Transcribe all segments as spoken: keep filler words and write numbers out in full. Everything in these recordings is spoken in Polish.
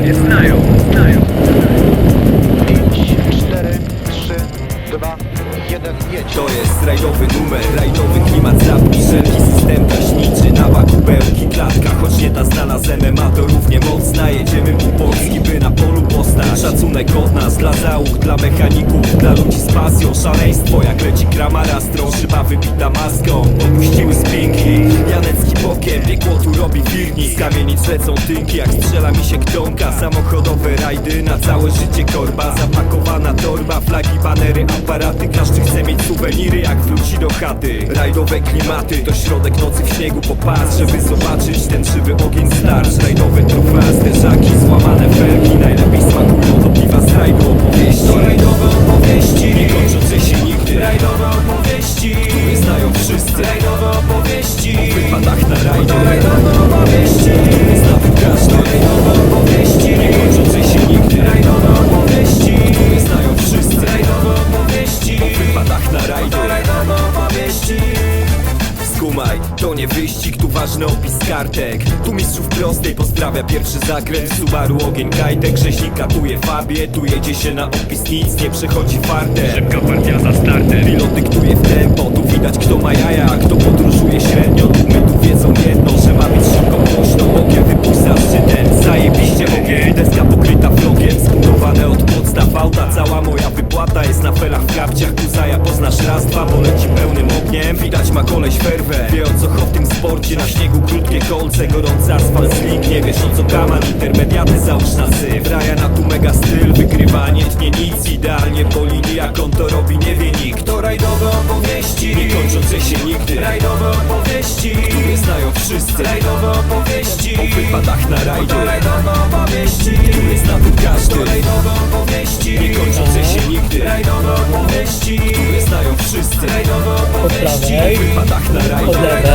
mnie znają, znają. pięć, cztery, trzy, dwa, jeden, jedź. To jest rajdowy numer, rajdowy klimat zapni, wszelki system taśniczy, nawa, kubełki, klatka. Choć nie ta znana z M M A, to równie mocna. Jedziemy po Polski, by na polu postać. Szacunek od nas, dla załóg, dla mechaników, dla ludzi z pasją. Szaleństwo jak leci kramara, strą szyba wybita maską. Opuściły spinki, Janecki bokiem, piekło tu robi firni. Z kamienic lecą tynki, jak strzela mi się ktonka. Samochodowe rajdy, na całe życie korba. Zapakowana torba, flagi, banery, aparaty. Każdy chce mieć suweniry, jak wróci do chaty. Rajdowe klimaty, to środek nocy w śniegu popas, żeby zobaczyć ten żywy ogień starcz. Rajdowe trufa, zderzaki, złamane felki. Najlepiej smakują do piwa z rajdu opowieści. To rajdowe opowieści, nie kończące się nigdy. Rajdowe opowieści, które znają wszyscy. Rajdowe opowieści, o wypadach na rajdzie. Rajdowe opowieści, które zna tu każdy. Rajdowe opowieści, nie kończące się nigdy. Rajdowe opowieści, które znają wszyscy. Rajdowe opowieści, o wypadach na rajdzie. Rajdowe opowieści. Skumaj, to nie wyścig, tu ważny opis kartek. Tu mistrzów prostej pozdrawia pierwszy zakręt. Subaru ogień kajtek, rzeźnik katuje fabie. Tu jedzie się na opis, nic nie przechodzi fartem. Szybka partia za startem. Pilot dyktuje w tempo, tu widać kto ma jaja, a kto podróżuje średnio. Tu my tu wiedzą jedno, że ma być szybko głośno. Okiem wypuść za szczytem, zajebiście ogień. Deska pokryta flogiem, zbudowane od podstaw auta. Cała moja wypłata jest na felach w kapciach. Kuzaja poznasz raz, dwa, bo leci pełnym ogniem. Widać ma koleś ferwę, wie o co chodzi w tym sporcie. Na śniegu krótkie kolce, gorący asfalt slick. Nie wiesz o co kaman, intermediaty załóż na syf. Raja na tu mega styl, wygrywa nie tnie nic. Idealnie po linii, jak on to robi nie wie nikt. To rajdowe opowieści, nie kończące się nigdy. Rajdowe opowieści, które znają wszyscy. Rajdowe opowieści, o wypadach na rajdzie. To rajdowe opowieści, które zna tu każdy. To rajdowe opowieści, nie kończące się nigdy. Rajdowe opowieści, które znają wszyscy. Rajdowe opowieści, o wypadach na rajdzie. Od lewej.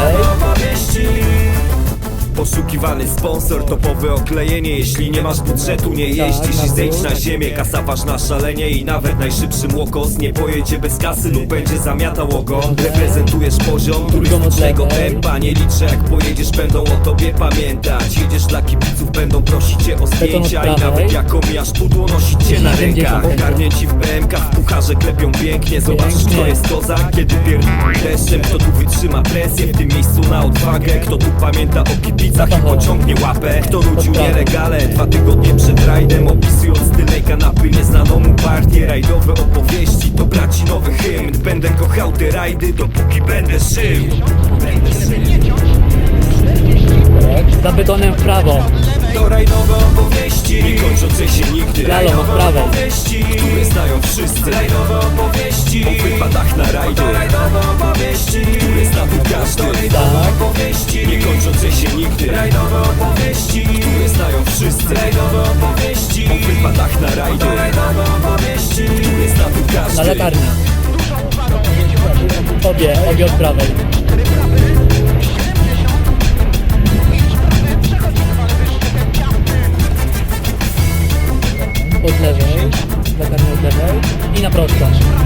Poszukiwany sponsor, topowe oklejenie. Jeśli nie masz budżetu, nie jeździsz i zejdź na ziemię. Kasa ważna szalenie i nawet najszybszy młokos nie pojedzie bez kasy lub będzie zamiatał ogon. Reprezentujesz poziom turystycznego tempa. Nie liczę jak pojedziesz, będą o tobie pamiętać. Jedziesz dla kibiców, będą prosić cię o zdjęcia. I nawet jak omijasz pudło, nosić cię na rękach. Ogarnięci w B M K, w pucharze klepią pięknie. Zobaczysz kto jest kozak, kiedy pierdolą deszczem. Kto tu wytrzyma presję, w tym miejscu na odwagę. Kto tu pamięta o kibicach i pociągnie łapę. Kto nudził nielegale dwa tygodnie przed rajdem, opisując tylnej kanapy nieznaną mu partię. Rajdowe opowieści to braci nowy hymn. Będę kochał te rajdy, dopóki będę żył. Za betonem w prawo. To rajdowe opowieści, nie kończące się nigdy. Lalą od prawej. Opowieści, które znają wszyscy. Rajdowe opowieści, o wypadach na rajdzie. To rajdowe opowieści, które zna tu każdy. Rajdowe opowieści, nie kończące się nigdy. Rajdowe opowieści, które znają wszyscy. Rajdowe opowieści, o wypadach na rajdzie. To rajdowe opowieści, które zna tu każdy. Na latarnię. Obie, obie od prawej. Od lewej. Latarnię od lewej. I na prosto.